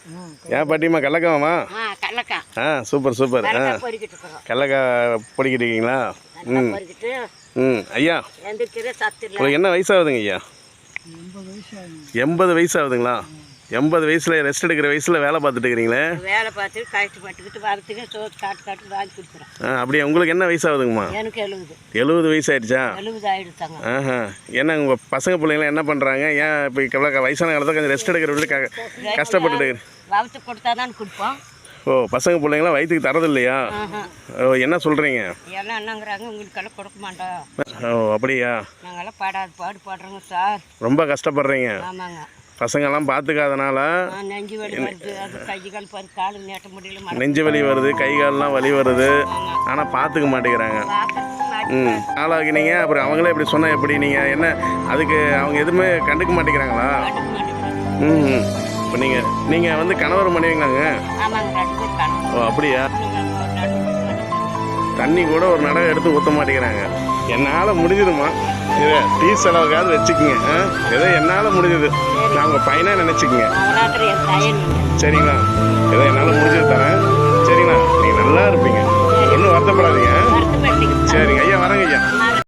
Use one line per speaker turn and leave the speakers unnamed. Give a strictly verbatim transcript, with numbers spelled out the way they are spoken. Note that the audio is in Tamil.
ஏன் பாட்டிம்மா கடலக்காவாம்மா? ஆ சூப்பர் சூப்பர். ஆ கடலக்காய் பொடிக்கிட்டு இருக்கீங்களா? ம் ம் ஐயா உங்களுக்கு என்ன வயசாகுதுங்க ஐயா? எண்பது வயசு ஆகுதுங்களா? எண்பது வயசில் ரெஸ்ட் எடுக்கிற வயசில் வேலை பார்த்துட்டு இருக்கிறீங்களே?
வேலை பார்த்துட்டு கஷ்டப்பட்டுக்கிட்டு வரத்துக்கு சோறு காட்டு காட்டு வாங்கி கொடுக்குறேன்.
ஆ அப்படியே உங்களுக்கு என்ன வயசாகுதுங்கம்மா?
எனக்கு எழுபது.
எழுபது வயசு ஆயிடுச்சா?
எழுபது ஆகிடுத்தாங்க.
ஆஹா என்ன உங்கள் பசங்க பிள்ளைங்களாம் என்ன பண்ணுறாங்க? ஏன் இப்போ இவ்வளோ வயசான காலத்தில் கொஞ்சம் ரெஸ்ட் எடுக்கிற விட க கஷ்டப்பட்டுட்டு
வளர்த்து கொடுத்தா தான் கொடுப்போம்.
ஓ பசங்க பிள்ளைங்களாம் வயிற்றுக்கு தரது இல்லையா? ஓ என்ன சொல்கிறீங்க?
எல்லாம் என்னங்கிறாங்க உங்களுக்கெல்லாம் கொடுக்க மாட்டோம்.
ஓ அப்படியா?
நாங்கள்லாம் பாடாது பாடு பாடுறோங்க சார்.
ரொம்ப கஷ்டப்படுறீங்க.
ஆமாங்க.
பசங்கள்லாம் பார்த்துக்காதனால
நெஞ்சு வலி வருது, அது கை கால் பாரு கால் நீட்ட முடியல,
நெஞ்சு வலி வருது, கை கால்லாம் வலி வருது, ஆனால் பார்த்துக்க மாட்டேங்கிறாங்க. ம் ஆளாகினீங்க அப்புறம் அவங்களே இப்படி சொன்னால் எப்படி? நீங்கள் என்ன அதுக்கு அவங்க எதுவுமே கண்டுக்க மாட்டேங்கிறாங்களா? ம் இப்போ நீங்கள் நீங்கள் வந்து கணவர் மனைவிங்களாங்க? ஓ அப்படியா? தண்ணி கூட ஒரு நடை எடுத்து ஊற்ற மாட்டேங்கிறாங்க. என்னால் முடிஞ்சுதுமா, இதை டீ செலவுக்காவது வச்சுக்கோங்க. ஏதோ என்னால் முடிஞ்சது, நான் உங்கள் பையனாக நினச்சிக்கங்க. சரிங்களா? ஏதோ என்னால் முடிஞ்சது.